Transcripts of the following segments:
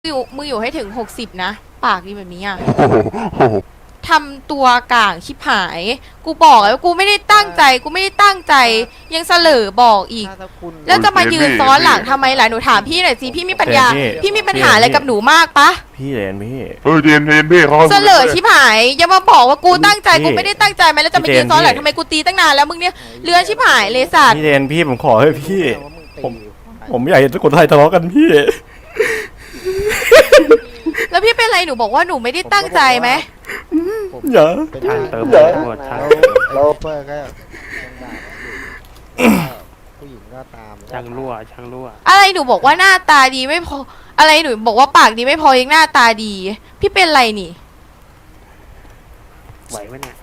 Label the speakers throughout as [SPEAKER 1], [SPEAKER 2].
[SPEAKER 1] มึงอยู่ให้ถึง60นะปากดีแบบนี้อ่ะทำตัวกลางชิบหายกูบอกแล้วกูไม่ได้ตั้งใจยังเสลอบอกอีกแล้วจะมายืนซ้อนหลังทำไมล่ะหนูถามพี่หน่อยสิพี่มีปัญญาพี่มีปัญหาอะไรกับหนูมากปะ
[SPEAKER 2] พี่เรนพี่
[SPEAKER 3] เย็นพี่เขา
[SPEAKER 1] เสลอชิบหายอย่ามาบอกว่ากูตั้งใจกูไม่ได้ตั้งใจไหมแล้วจะมายืนซ้อนหลังทำไมกูตีตั้งนานแล้วมึงเนี่ยเลื้อนชิบหายเลยสัตว์
[SPEAKER 2] พี่เรนพี่ผมขอให้พี่ผมอยากเห็นทุกคนไทยทะเลาะกันพี่
[SPEAKER 1] แล้วพี่เป็นไรหนูบอกว่าหนูไม่ได้ตั้งใจไหม
[SPEAKER 2] อย่า
[SPEAKER 4] ช่างเติมหมดช่าง
[SPEAKER 5] เราเปิดก็ผู้หญิงก็ตาม
[SPEAKER 4] ช่างรั่ว
[SPEAKER 1] อะไรหนูบอกว่าหน้าตาดีไม่พออะไรหนูบอกว่าปากดีไม่พอยังหน้าตาดีพี่เป็นไรนี่
[SPEAKER 4] ไหวไหมเนี่ย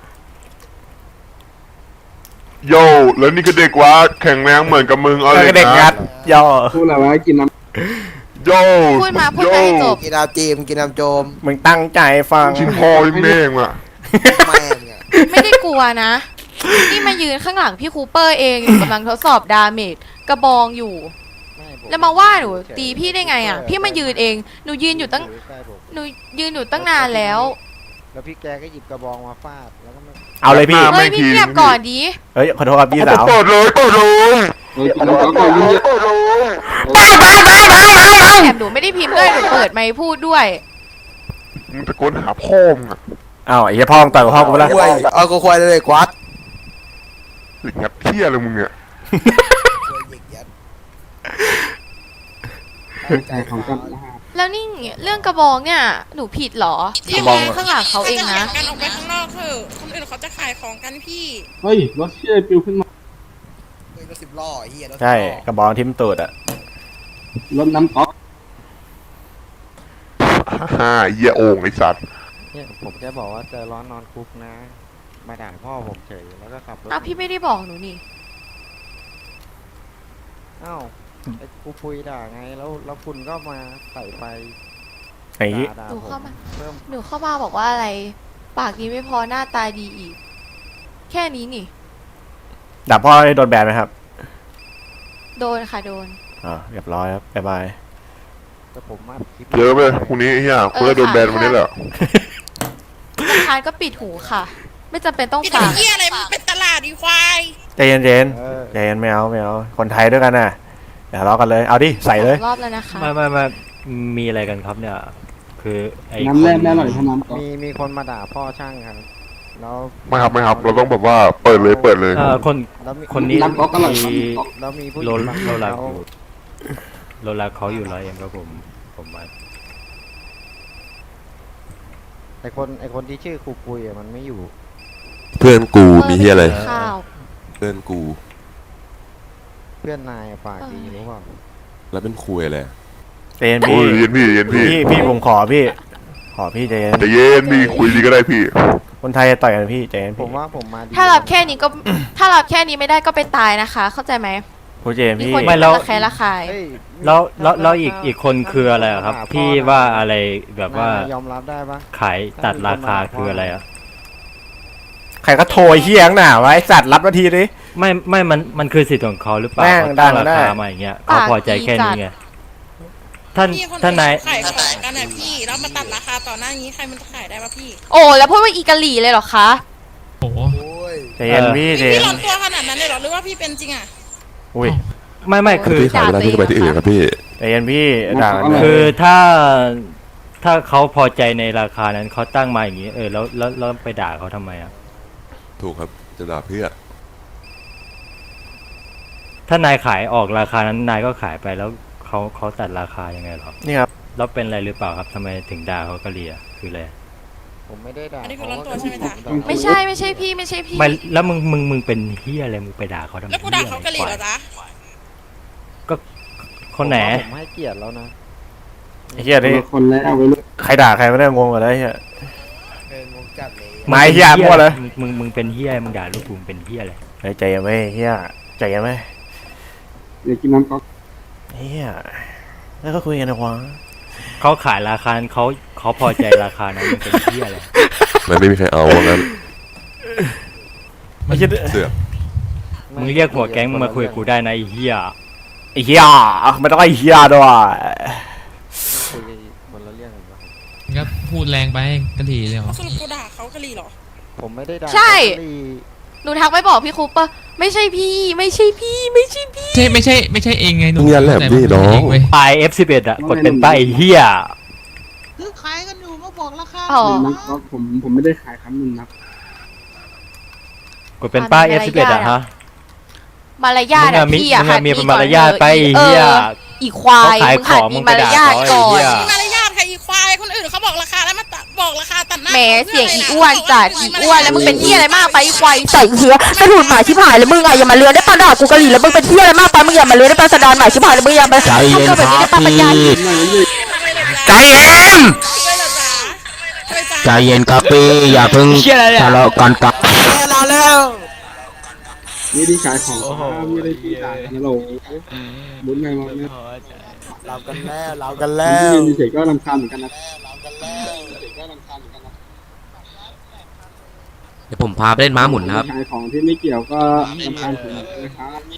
[SPEAKER 3] โย่แล้วนี่ก็เด็กวะแข็งแรงเหมือนกับมึงอะไรนะ
[SPEAKER 2] เด็กงัดย่อ
[SPEAKER 6] พูดอะไรวะกินน้ำ
[SPEAKER 3] โย่
[SPEAKER 1] พูดมาให้จบ
[SPEAKER 5] กินน้ำจีมกินน้ำโจม
[SPEAKER 2] มึงตั้งใจฟัง
[SPEAKER 3] ชิมพอแม่งอ่ะ
[SPEAKER 5] แม่ง
[SPEAKER 1] ไม่ได้กลัวนะนี่มายืนข้างหลังพี่คูเปอร์เองกำลังทดสอบดาเมจกระบองอยู่แล้วมาว่าหนูตีพี่ได้ไงอ่ะพี่มายืนเองหนูยืนอยู่ตั้งนานแล้ว
[SPEAKER 5] พี่แกก็หยิบกระบองมาฟาดแล้วก็
[SPEAKER 2] เอาเลยพี่
[SPEAKER 1] เฮ้ยพี่เงียบก่อนดิ
[SPEAKER 2] เฮ้ยขอโทษครับพี่สาว
[SPEAKER 3] เปิดเลย
[SPEAKER 6] กินน้ำก็ยิ่งเยอะ
[SPEAKER 1] แถมหนูไม่ได้พิมพ์ด้วยหนูเปิดไมค์พูดด้วย
[SPEAKER 3] มึงตะโกนหาพ่อมึงอ่ะ
[SPEAKER 2] อ้าวไอ้พ่อมึงต่อยกับพ่อกูไปแล้ว
[SPEAKER 5] เอากูควายเลยกวัด
[SPEAKER 3] งัดเที่ยเลยมึงเนี่ย
[SPEAKER 6] ใจของกัน
[SPEAKER 1] แล้วนี่เรื่องกระบองเนี่ยหนูผิดหรอที่มองข้างหลังเขาเองนะ
[SPEAKER 7] การออกไปข้างนอกเถอะคนอื่นเขาจะขายของกันพี่
[SPEAKER 6] เฮ้ยรถเชี่ยปิวขึ้นมาร
[SPEAKER 5] ถ10 ล้อเฮีย
[SPEAKER 2] ใช่กระบองทิ่มตูดอะ
[SPEAKER 6] รถน้ำก๊อก
[SPEAKER 3] เหี้ยโอ่งไอ้สัตว์
[SPEAKER 5] เนี่ยผมแค่บอกว่าเจอร้อนนอนคุกนะมาด่าพ่อผมเฉยแล้วก็ขับรถ
[SPEAKER 1] พี่ไม่ได้บอกหนูนี่
[SPEAKER 5] อ้าวไอ้กูคุยด่าไงแล้วคุณก็มาใส่ไป
[SPEAKER 1] หนูเข้ามาบอกว่าอะไรปากดีไม่พอหน้าตาดีอีกแค่นี้นี่
[SPEAKER 2] ด่าพ่อได้โดนแบนไหมครับ
[SPEAKER 1] โดนค่ะโดน
[SPEAKER 2] เรียบร้อยครับบ๊ายบาย
[SPEAKER 5] แต่ผมมา
[SPEAKER 3] เยอะไปพรุ่งนี้เฮียคุณจะโดนแบนวันนี้แหละ
[SPEAKER 1] ทานก็ปิดหูค่ะไม่จำเป็นต้อง
[SPEAKER 7] ฟังเฮียอะไรมันเป็นตลาดดีควาย
[SPEAKER 2] ใจเย็นใจเย็นไม่เอาคนไทยด้วยกันน่ะอย่าทะเลาะกันเลยเอาดิใส่เลย
[SPEAKER 1] รอบแล้วนะคะ
[SPEAKER 4] ไม่มีอะไรกันครับเนี่ยคือไอ้
[SPEAKER 6] น้ำแร่แน่หน่อยทำน้ำก๊อก
[SPEAKER 5] มีคนมาด่าพ่อช่างครับแล้ว
[SPEAKER 3] ไม่ครับเราต้องแบบว่าเปิดเลย
[SPEAKER 4] คนนี้
[SPEAKER 6] น้ำก๊อกก็หน่อย
[SPEAKER 5] แล้วมีผู้หญิง
[SPEAKER 4] โลลาเขาอยู่100 เองครับผมมา
[SPEAKER 5] ไอคนที่ชื่อครูปุยมันไม่อยู่
[SPEAKER 8] เพื่อนกูมีเฮียอะไรเพื่อนกู
[SPEAKER 5] เพื่อนนายปากดีรู้เปล่า
[SPEAKER 8] แล้วเป็นคุยอะไร
[SPEAKER 2] ใจเย็นพี่ผมขอพี่ใจเย็น
[SPEAKER 3] พี่คุยดีก็ได้พี่
[SPEAKER 2] คนไทยต่อยกันพี่ใจเย็น
[SPEAKER 5] ผมว่าผมมา
[SPEAKER 1] ถ้ารับแค่นี้ไม่ได้ก็ไปตายนะคะเข้าใจไหม
[SPEAKER 2] พูดเจนพี่
[SPEAKER 4] ไม่แล้ว
[SPEAKER 1] แค่ละคาย
[SPEAKER 4] แล้วอีกคนคืออะไรครับพี่ว่าอะไรแบบว่าย
[SPEAKER 5] อมรับได้ปะ
[SPEAKER 4] ขายตัดราคาคืออะไรอ่ะ
[SPEAKER 2] ใครก็โทรเฮี้ยงหน่าไว้สัตว์รับนาทีดิ
[SPEAKER 4] ไม่มันคือสิทธิ์ของเขาหรือเปล่าเขาตั้งราคามาอย่างเงี้ยเขาพอใจแค่นี้ไงท่านนาย
[SPEAKER 7] ขายของกันนะพี่แล้วมาตัดราคาต่อหน้านี้ใครมันจะขายได้ปะพี่
[SPEAKER 1] โอ้แล้วพูดว่าอีกะหลี่เลยเหรอคะ
[SPEAKER 2] โอ้ใจเย็นพี่
[SPEAKER 7] ร้อนตัวขนาดนั้นเลยหรอหรือว่าพี่เป็นจริงอ่ะ
[SPEAKER 2] อุ้ย
[SPEAKER 4] ไม่คือ
[SPEAKER 8] พี่ขายเวลาพี่ก็ไปที่อื่นครับพี่
[SPEAKER 2] ใจเย็นพี่ด่า
[SPEAKER 4] คือถ้าเขาพอใจในราคานั้นเขาตั้งมาอย่างนี้แล้วไปด่าเขาทำไมอ่ะ
[SPEAKER 8] ถูกครับจะด่าเพื่อ
[SPEAKER 4] ถ้านายขายออกราคานั้นนายก็ขายไปแล้วเขาตัดราคายังไงหรอ
[SPEAKER 2] นี่ครับ
[SPEAKER 4] แล้วเป็นอะไรหรือเปล่าครับทำไมถึงด่าเขากะเลียคืออะไร
[SPEAKER 5] ผมไม่ได้ด่า
[SPEAKER 7] อันนี้คือร้อนตัวใช่ไหมจ๊ะ
[SPEAKER 1] ไม่ใช่พี่
[SPEAKER 4] ไม่แล้วมึงเป็นเฮียอะไรมึงไปด่าเขาทำไม
[SPEAKER 7] แล้วกูด่าเขากะเลียเหรอจ๊ะ
[SPEAKER 4] ก็คนไหน
[SPEAKER 5] ผมให้เกียรติแล้วนะ
[SPEAKER 2] เฮียนี่
[SPEAKER 6] คนแล้ว
[SPEAKER 2] ใครด่าใครไม่ได้งงกันเลยเฮีย
[SPEAKER 5] งงจัดเลย
[SPEAKER 2] ไม่เฮียมั่วเลย
[SPEAKER 4] มึงเป็นเฮียมึงด่าลูกกูเป็นเฮียอะไร
[SPEAKER 2] ใจยังไม่เฮียใจยังไม่
[SPEAKER 6] เดี๋ยวกินน้ำก๊อก
[SPEAKER 2] เฮียแล้วก็คุยกันนะวะ
[SPEAKER 4] เขาขายราคาเขาพอใจราคานั้นมันเป็นเฮียอะไร
[SPEAKER 8] มันไม่มีใครเอางั้น
[SPEAKER 2] ไม่ใช่
[SPEAKER 8] เสือก
[SPEAKER 4] มึงเรียกหัวแก๊งมึงมาคุยกับกูได้นะไอ้เฮีย
[SPEAKER 2] ไม่ต้องไอ้เฮียด้วย
[SPEAKER 5] คุยหัวคนละเรื่องกันครับ
[SPEAKER 9] ก็พูดแรงไปกะหรี่เลยเหรอ
[SPEAKER 7] สรุปกูด่าเขากะหรี่เหรอ
[SPEAKER 5] ผมไม่ได้ด่า
[SPEAKER 1] ใช่
[SPEAKER 5] เขาเลย
[SPEAKER 1] หนูทักไปบอกพี่คูปเปอร์ไม่ใช่พี่ไม่ใช่พี่ไม่ใช่พี่
[SPEAKER 9] ไม่ใช่เองไงหนู
[SPEAKER 8] เงียบแหละพี่น้อง
[SPEAKER 9] เว้ย
[SPEAKER 4] ปลาย F11 อ่ะกดเป็นป้ายไอ้เฮีย
[SPEAKER 7] คือขายกันอยู่มาบอกราคา
[SPEAKER 1] อ๋อ
[SPEAKER 6] หนึ่งน้ำก๊อกผมไม่ได้ขายครับหนึ่งนับ
[SPEAKER 4] กดเป็นป้าย F11 อ่ะฮะ
[SPEAKER 1] มารยาทอะ
[SPEAKER 4] มึงอะ
[SPEAKER 1] พี่อะ
[SPEAKER 4] มึงอะมี
[SPEAKER 1] หัด
[SPEAKER 4] มารยาทไปไอ้เหี้ย
[SPEAKER 1] อีควาย
[SPEAKER 4] เขาขาย
[SPEAKER 1] มึงหัด
[SPEAKER 4] ของ
[SPEAKER 1] มี
[SPEAKER 4] มึง
[SPEAKER 1] มาร
[SPEAKER 4] ไปด่าย
[SPEAKER 1] าท
[SPEAKER 4] เขา
[SPEAKER 1] ก่อน
[SPEAKER 4] ไอ้เหี้ย
[SPEAKER 7] มารยาทใครอีควายคนอื่นเขาบอกราคาแล้วมาบอกราคาตัดหน้า
[SPEAKER 1] แหม
[SPEAKER 7] ขา
[SPEAKER 1] เสียง
[SPEAKER 7] พื่
[SPEAKER 1] อี
[SPEAKER 7] ะไร
[SPEAKER 1] อ้วน
[SPEAKER 7] ล่ะ
[SPEAKER 1] จัดอีอ้วนแล้วมึงเป็นที่อะไรมากไปอีควายใส่เชื้อกระถุนหมาชิบหายแล้วมึงอะอย่ามาเลือนได้ปะด่ากูกะหรี่แล้วมึงเป็นที่อะไรมากไปมึงอย่ามาเลือนได้ปะสะดานหมาชิบหายแล้วมึงอย่ามาทำตัวแบบนี้ได้ปะปัญญา
[SPEAKER 8] ใจเย็น
[SPEAKER 7] ช่วยเหรอจ๊ะช่วยจ้ะ
[SPEAKER 8] ใจเย็นครับพี่อย่าเพิ่งทะเลาะกันกับ
[SPEAKER 6] ไม่ได้ขายของครับไม่ได้ที่ด่ากันนะโหลบุญไงวะเนี่ย
[SPEAKER 2] เรากัน
[SPEAKER 6] ที่ยืนเฉยๆก็รำคาญเหมือนกันนะ
[SPEAKER 8] เดี๋ยวผมพาไปเล่นม้าหมุนนะครับ
[SPEAKER 6] ขายของที่ไม่เกี่ยวก็รำคาญผมนะครับ